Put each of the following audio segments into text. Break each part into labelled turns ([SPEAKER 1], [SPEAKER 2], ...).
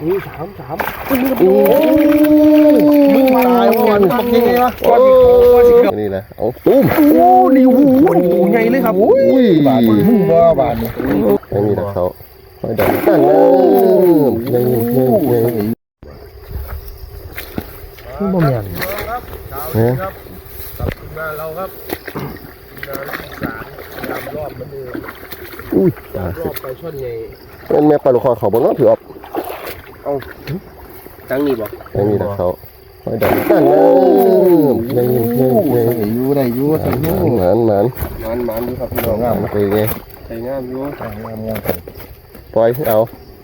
[SPEAKER 1] นี่สาม
[SPEAKER 2] โอ้มึงตายวันปักยังไงวะนี่แหละเอาตุ้ม
[SPEAKER 1] โอ้นี่โอ้โหใหญ่เลยครับ
[SPEAKER 2] อุ้ย
[SPEAKER 1] บาทมึงว่าบาทนี่
[SPEAKER 2] นี่แหละเขาไม่ดันตั้งเลยยัง
[SPEAKER 1] บ่แม่น
[SPEAKER 2] เนี่ย
[SPEAKER 1] งานเราครับงานที่สามยามรอบมันเอง
[SPEAKER 2] อุ้ยตาร
[SPEAKER 1] อบไปช่อนใหญ่
[SPEAKER 2] เป็นแม่ปลาลูกคอเขาบนน้องถือออก
[SPEAKER 1] เอาตั้งนี่บ่
[SPEAKER 2] ยังมีแต่เขาไม่ดันตั้งเลยยัง
[SPEAKER 1] อยู่ได้อยู่ใส่หู
[SPEAKER 2] หมาน
[SPEAKER 1] อยู่ครับพี่น้องงาม
[SPEAKER 2] ไปไง
[SPEAKER 1] ใส่งามอยู่งาม
[SPEAKER 2] ปล่อยเอา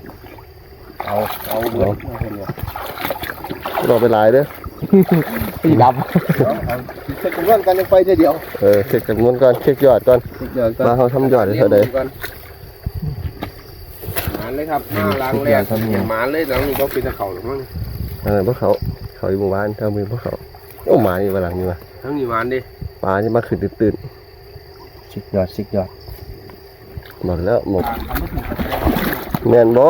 [SPEAKER 1] เบิด
[SPEAKER 2] รอไปหลายเด้อ
[SPEAKER 1] ตีดำเช็คจำนวนกันยังไปเดียว
[SPEAKER 2] เช็คจำนวนก่อนเช็คยอดก่อนมาเขาทำยอดเท่าใด
[SPEAKER 1] หมานเลยครับล้างแรกหมานเลยหลังนี้ก็เป็นตะเข่าหรือมั้ง
[SPEAKER 2] พวกเขาอยู่หมู่บ้านทำมือพวกเขาโอ้หมาอยู่หลังนี่มา
[SPEAKER 1] ทั้งนี้หมานดิ
[SPEAKER 2] ปลาที่มาขึ้นตื่น
[SPEAKER 1] สิกยอด
[SPEAKER 2] หมดแล้วหมดแมนบอ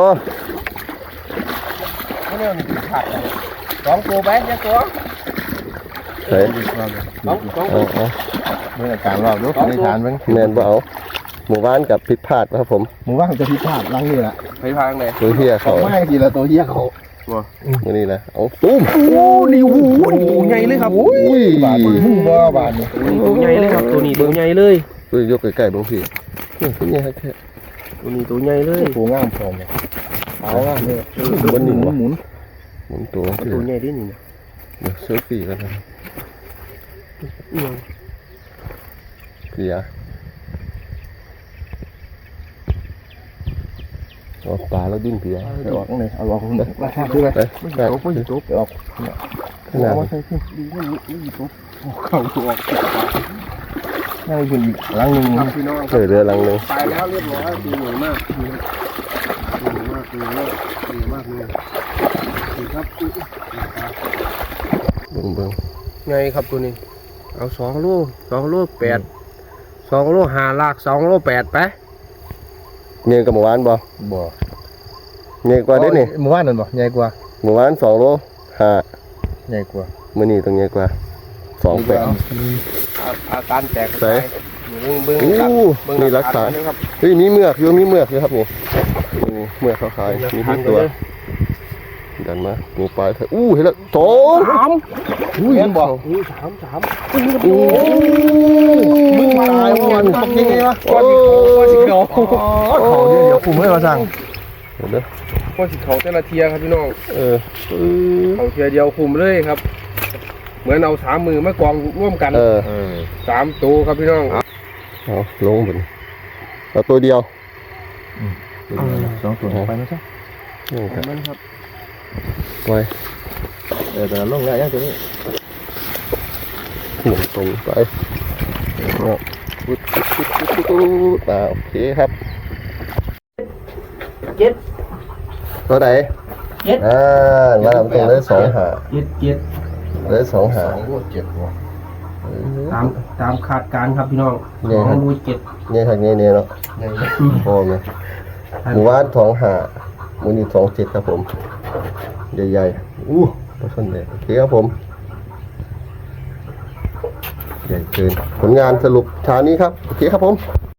[SPEAKER 1] เนี่ยนี่ขาดสองตัวไปเนี่ยตัว
[SPEAKER 2] เฮ้ย
[SPEAKER 1] สอง
[SPEAKER 2] เมื่อการรอบลูกในฐานมั้งแมนบอเอาหมู่บ้านกับพิษพลาดครับผม
[SPEAKER 1] หมู่บ้านจะพิษพลาดลังนี่แหละพิษพลาดไหน
[SPEAKER 2] ตัวเหี้ยเขา
[SPEAKER 1] ไม่ทีละตัวเหี้ยเขา
[SPEAKER 2] นี่แหละเอาตุ้ม
[SPEAKER 1] โอ้นี่โอ้โหใหญ่เลยครับ
[SPEAKER 2] อุ้ย
[SPEAKER 1] บาทมึงว่าบาทนี่ตัวใหญ่เลยครับตัวนี้ตัวใหญ่เลย
[SPEAKER 2] ตัวยกใกล้ๆบางทีตัวใหญ่แค่
[SPEAKER 1] ตัวนี้ตัวใหญ่เลยตัวงามพร้อมเลยเอางามเลย
[SPEAKER 2] บนหนึ่ง
[SPEAKER 1] หมุน
[SPEAKER 2] ตัว
[SPEAKER 1] ใหญ่ดินี่
[SPEAKER 2] เดี๋ยวเซลฟี่กันนะเพียเอาปลาแล้วดิ้นเพีย
[SPEAKER 1] เอาออกเลยเอาออกเลยราคา
[SPEAKER 2] ดู
[SPEAKER 1] ไป
[SPEAKER 2] ไม่
[SPEAKER 1] ตกออกขนาดว่าใช่ขึ้นดีว่าไม่ตกเข่าตัวออกง่ายขึ้นอีกลังหนึ่งพี่น้อง
[SPEAKER 2] เรือลังหนึ่ง
[SPEAKER 1] ตายแล้วเรียบร้อยดีเหนื่อยมากเลยดีครับ
[SPEAKER 2] เบิ่ง
[SPEAKER 1] ไงครับตัวนี้เอา2 โล8 2 โล5 ลาก2 โล 8ไป
[SPEAKER 2] เงี้ยกับหมู่บ้านบ่เงี้ยกว่าเด้นี่
[SPEAKER 1] หมู่บ้านนั่นบ่ใหญ่กว่า
[SPEAKER 2] หมู่บ้าน2 โล 5
[SPEAKER 1] ใหญ่กว่า
[SPEAKER 2] มื้อนี้ต้องใหญ่กว่า2 8
[SPEAKER 1] อาการแตก
[SPEAKER 2] ใส่
[SPEAKER 1] เบิ่ง
[SPEAKER 2] นี่รักษาเฮ้ยมีเมือกอยู่ครับนี่เมือกเขาขายมีทุกตัวดันมาหมูปลาเถอะเห็นแล้ว
[SPEAKER 1] 3เห็นบ่3มึงตายวันปักยังไงวะก้อนสิเขาเดี๋ยวคุมให้มาสั่ง
[SPEAKER 2] เห็นเด้อ
[SPEAKER 1] ก้อนสิเขาแต่ละเทียครับพี่น้องเขาเทียเดียวคุมเลยครับเหมือนเอา3 มือมากองร่วมกัน3 ตัวครับพี่น้อง
[SPEAKER 2] เอาลงบนเอาตัวเดียว
[SPEAKER 1] 2 ตัวไปไหมครับ
[SPEAKER 2] มันครับไว้
[SPEAKER 1] แต่ลงได้ยังตัวนี้
[SPEAKER 2] หมุนตรงไปโอเคครับ
[SPEAKER 1] 7
[SPEAKER 2] ตัวไหนมาทำตรงได้2 หาได้2 หา
[SPEAKER 1] ตามคาดการครับพี่น้อง2 รู 7
[SPEAKER 2] เนี่ยครับเนี่ยเนาะพอไหมหมู่บ้าน2 หามูนี่2 7ครับผมใหญ่ปลาช่อนใหญ่โอเคครับผมใหญ่เกินผลงานสรุปเช้านี้ครับโอเคครับผม